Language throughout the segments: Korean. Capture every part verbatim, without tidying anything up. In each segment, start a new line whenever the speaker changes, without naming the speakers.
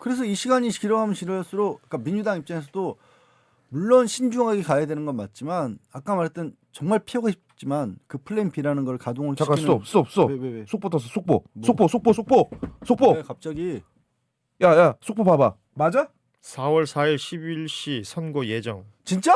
그래서 이 시간이 길어가면 길어질수록 그러니까 민주당 입장에서도 물론 신중하게 가야 되는 건 맞지만 아까 말했던 정말 피하고 싶지만 그 플랜 B라는 걸 가동을
잠깐
시키는
스톱 스톱 스톱.
왜, 왜, 왜?
속보 떴어 속보.
뭐?
속보 속보 속보 속보.
왜 갑자기
야야 속보 봐봐. 맞아?
사월 사일 십일 시 선고 예정.
진짜?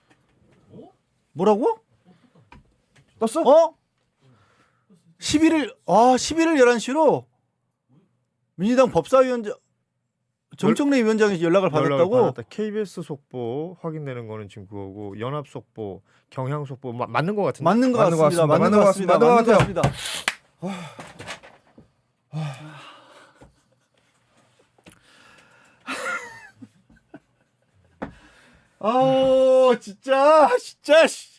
뭐라고?
떴어?
어? 십일일 아 십일일 열한 시로 민주당 법사위원장 정청래 위원장이 연락을 받았다고?
연락을 받았다. 케이비에스 속보 확인되는 거는 지금 그거고 연합 속보, 경향 속보 마, 맞는 거 같은데.
맞는 것
맞는 것
같습니다.
같습니다.
맞는 것 같습니다.
맞는 것
맞는 것
같아요.
같습니다. 아 진짜 진짜 씨.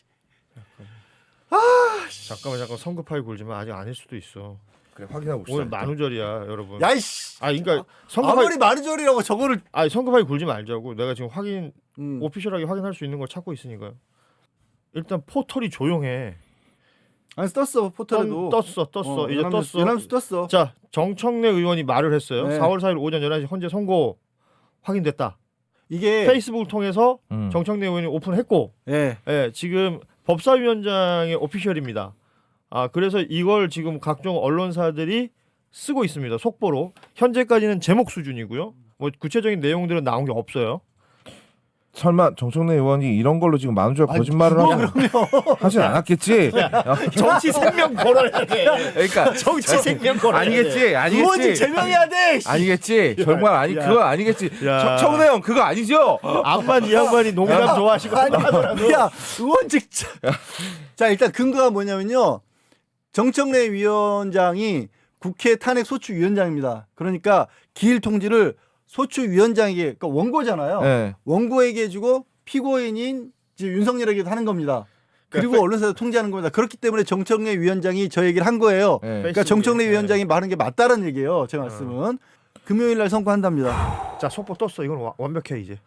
잠깐만 잠깐 성급하게 굴지만 아직 아닐 수도 있어.
그래 확인하고
오늘
있어.
만우절이야 여러분.
야이씨.
아 그러니까 성급하게
아무리 마르절이라고 저거를
아니 성급하게 굴지 말자고. 내가 지금 확인
음.
오피셜하게 확인할 수 있는 걸 찾고 있으니까요. 일단 포털이 조용해.
아니 떴어 포털에도
떴, 떴어 떴어
어,
이제
연합뉴스,
떴어.
연합뉴스 떴어.
자 정청래 의원이 말을 했어요.
네.
사월 사일 오전 열한 시 현재 선고 확인됐다.
이게
페이스북을 통해서
음.
정청래 의원이 오픈했고,
예.
예, 지금 법사위원장의 오피셜입니다. 아 그래서 이걸 지금 각종 언론사들이 쓰고 있습니다. 속보로 현재까지는 제목 수준이고요. 뭐 구체적인 내용들은 나온 게 없어요.
설마 정청래 의원이 이런 걸로 지금 만우절 거짓말을
뭐
하고 하진 않았겠지?
정치 생명 걸어야 돼.
그러니까
정치 생명 걸어야
아니겠지,
의원직
아니겠지,
제명해야 돼. 씨.
아니겠지. 정말 아니
야.
그거 아니겠지.
야.
정- 청래 형 그거 아니죠?
암만 이 양반이 농담 좋아하시고 하더라도
야 의원직. 자, 자 일단 근거가 뭐냐면요. 정청래 위원장이 국회 탄핵 소추 위원장입니다. 그러니까 기일 통지를 소추 위원장에게 그러니까 원고잖아요.
네.
원고에게 주고 피고인인 이제 윤석열에게 하는 겁니다. 그리고
그러니까
언론사에 통지하는 겁니다. 그렇기 때문에 정청래 위원장이 저 얘기를 한 거예요.
네.
그러니까 정청래
네.
위원장이 말한 게 맞다는 얘기예요. 제 말씀은 금요일 날 선고한답니다.
자 속보 떴어. 이건 와- 완벽해 이제.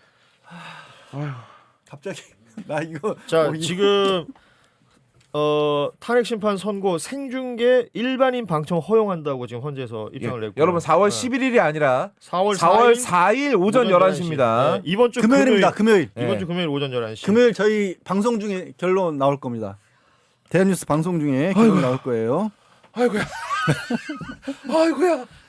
갑자기 나 이거
자
어, 이-
지금 어 탄핵 심판 선고 생중계 일반인 방청 허용한다고 지금 헌재에서 입장을
예.
냈고
여러분 사월 십일일이 아니라
사월
사월
사일
사일 오전 열한 시입니다.
네, 이번 주
금요일입니다. 금요일.
금요일, 이번
네.
주 금요일 오전 열한 시.
금요일 저희 방송 중에 결론 나올 겁니다. 대한뉴스 방송 중에 결론 나올 거예요.
아이고야. 아이고야.